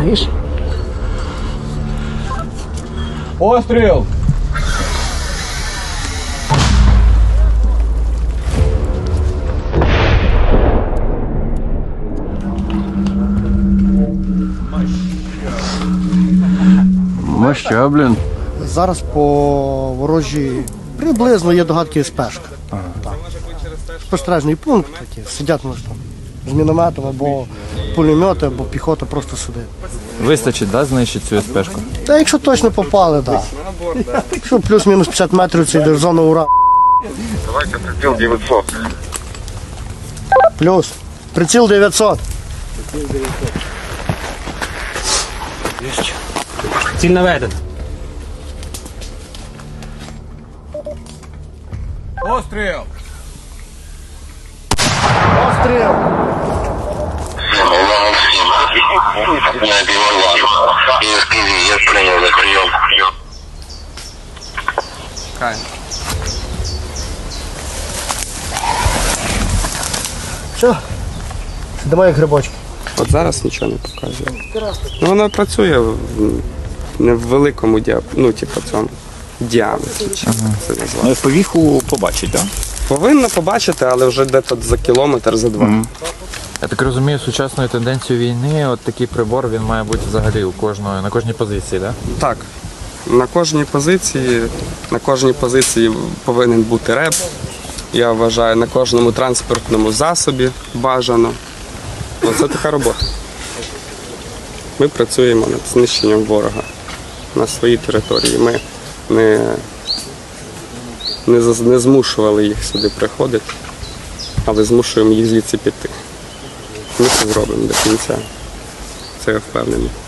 Видиш? Постріл! Моща, блін. Зараз по ворожі приблизно є догадки СПшка. Так. Спостережний пункт, такі, сидять може там з мінометом або пулемети, або піхота просто сидить. Вистачить, да, знищити цю СПшку? Та якщо точно попали, так. Да. Якщо плюс-мінус 50 метрів це йде в зону ура. Давайте приціл 900. Плюс. Приціл 900. Ціль наведена. Постріл! Постріл. На Белорлан. Я принял на прием. Все. Сидимо як грибочки. От зараз нічого не показує. Ну, воно працює не в великому цьому діаметрі. Це назвати. Повіху побачить, так? Повинно побачити, але вже десь за кілометр, за два. Я так розумію, сучасною тенденцією війни, от такий прибор, він має бути взагалі на кожній позиції, так? Так. На кожній позиції повинен бути реп. Я вважаю, на кожному транспортному засобі бажано. Оце така робота. Ми працюємо над знищенням ворога на своїй території. Ми не змушували їх сюди приходити, але змушуємо їх звідси піти. Ми це зробимо до кінця. Це я впевнений.